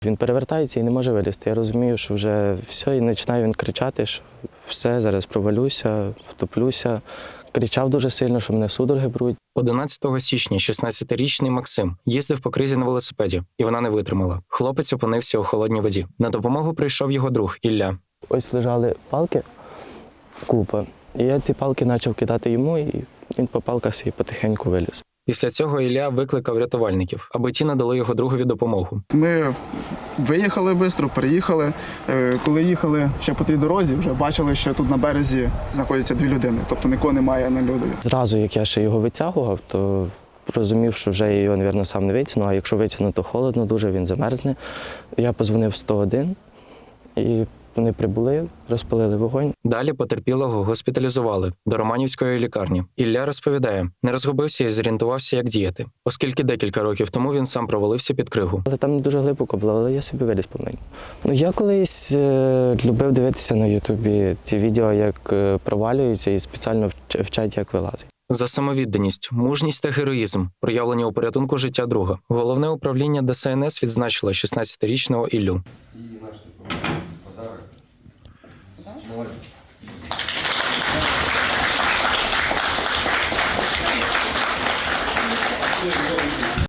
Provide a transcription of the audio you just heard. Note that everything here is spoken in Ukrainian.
Він перевертається і не може вилізти. Я розумію, що вже все, і починає він кричати, що все, зараз провалюся, втоплюся. Кричав дуже сильно, що мене судороги беруть. 11 січня 16-річний Максим їздив по кризі на велосипеді, і вона не витримала. Хлопець опинився у холодній воді. На допомогу прийшов його друг Ілля. Ось лежали палки, купа. І я ці палки почав кидати йому, і він по палках собі потихеньку виліз. Після цього Ілля викликав рятувальників, аби ті надали його другові допомогу. Ми виїхали швидко, переїхали. Коли їхали ще по тій дорозі, вже бачили, що тут на березі знаходяться дві людини, тобто нікого немає на льодові. Зразу, як я ще його витягував, то розумів, що вже я його, мабуть, сам не витягну, а якщо витягну, то холодно дуже, він замерзне. Я подзвонив 101, і вони прибули, розпалили вогонь. Далі потерпілого госпіталізували до Романівської лікарні. Ілля розповідає, не розгубився і зорієнтувався, як діяти, оскільки декілька років тому він сам провалився під кригу. Але там не дуже глибоко було, але я собі виліз помаленьку. Я колись любив дивитися на Ютубі ці відео, як провалюються і спеціально вчать, як вилазить. За самовідданість, мужність та героїзм, проявлені у порятунку життя друга, Головне управління ДСНС відзначило 16-річного Іллю.